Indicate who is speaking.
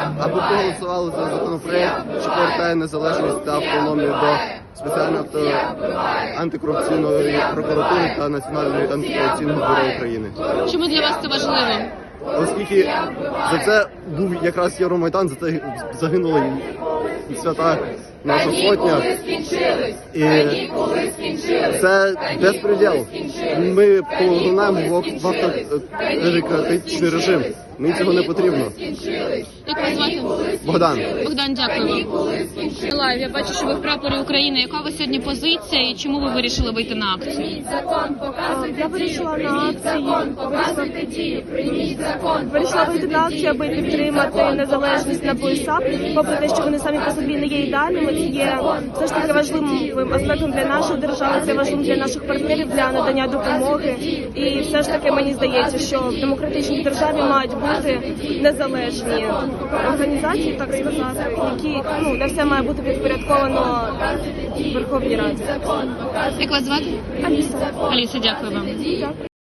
Speaker 1: аби проголосували за законопроект, що повертає незалежність та автономію до спеціальної антикорупційної прокуратури та Національної антикорупційного бюро України.
Speaker 2: Чому для вас це важливо?
Speaker 1: Оскільки за це був якраз Євромайдан, за це загинула і свята наша сотня. І це безпреділ. Ми повернемо в автократичний режим. Мені цього не потрібно.
Speaker 2: Як вас звати?
Speaker 1: Богдан.
Speaker 2: Богдан, дякую вам. Миколаїв, я бачу, що ви в прапорі України. Яка у вас сьогодні позиція і чому ви вирішили вийти на акцію?
Speaker 3: Я вирішила на акції, вирішила вийти на акцію, аби підтримати незалежність НАБУ і САП. Попри те, що вони самі по собі не є ідеальними, це є все ж таки важливим аспектом для нашої держави, це важливим для наших партнерів, для надання допомоги. І все ж таки мені здається, що в демократичній державі мають бути незалежні організації, так сказати, які, де все має бути підпорядковано Верховній Раді.
Speaker 2: Як вас звати?
Speaker 3: Аліса.
Speaker 2: Аліса, дякую вам.
Speaker 3: Дякую.